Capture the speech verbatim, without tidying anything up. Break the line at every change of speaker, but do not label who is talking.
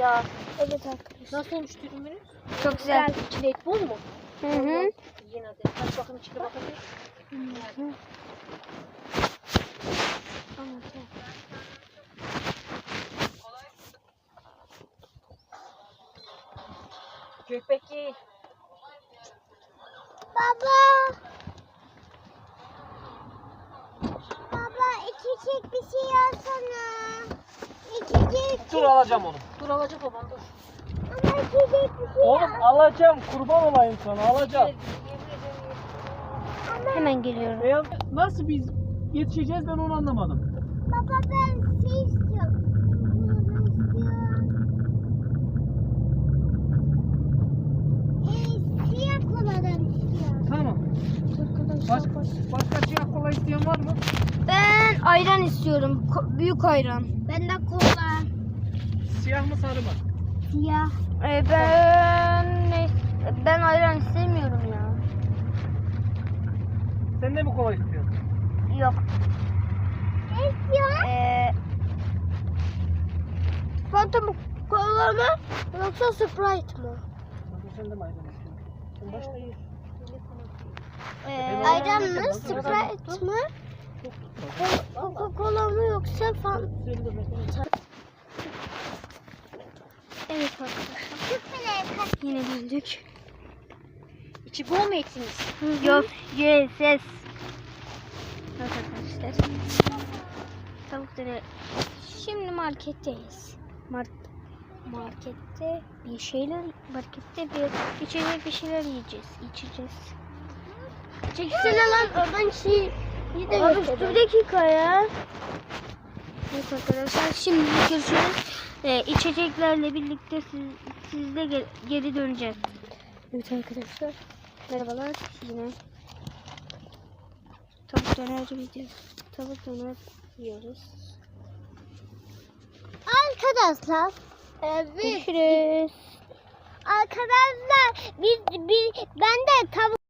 ya.
Evet arkadaşlar.
Nasıl olmuş dürümünüz?
Çok güzel.
İçinde et bol mu?
Hı hı.
Yiyin hadi. Aç bakın içine bakabilir.
Hı hı.
Gökbek yiyin.
Baba. Baba içecek bir şey alsana. İçecek.
Dur alacağım onu.
Dur alacak baban dur.
Ama içecek bir şey
Oğlum alacağım, kurban olayım sana, alacağım.
Hemen geliyorum.
Beyaz, nasıl biz yetişeceğiz ben onu anlamadım.
Baba ben şey istiyorum. Bunu istiyorum. Ee, siyah koladan istiyorum.
Tamam. Baş, başka siyah kola isteyen var mı?
Ben ayran istiyorum. Ko- büyük ayran.
Ben de kola.
Siyah mı sarı mı?
Siyah.
Ee, ben ne- ben ayran istemiyorum ya.
Sen de mi kola istiyorsun?
Yok.
Ne istiyorsun?
Ee, Fanta mı? Kola mı? Yoksa Sprite mı?
Bakın sen de mi ayran istiyorsun? Sen başta ye.
Ee,
Ayran mı?
Ayran.
Sprite mı?
Çok tutma.
Coca-Cola mı yoksa Fanta?
Sen de mesela.
Evet arkadaşlar. Yine döndük.
İçi bol mu etiniz?
Yok. Yes. Yes. Evet arkadaşlar. Tavuk döner. Şimdi marketteyiz. Mart markette bir şeyler markette bir içecek bir şeyler yiyeceğiz. İçeceğiz.
Çekilsene lan oradan şey. Bir de
Abi dur bir dakika ya. Evet arkadaşlar şimdi görüşürüz. Ee, içeceklerle birlikte siz, sizle ge- geri döneceğiz. Evet arkadaşlar. Merhabalar yine. Tavuk döner yiyeceğiz. Tavuk döner yiyoruz.
Arkadaşlar. Evet.
Görüşürüz.
Arkadaşlar biz, biz ben de tavuk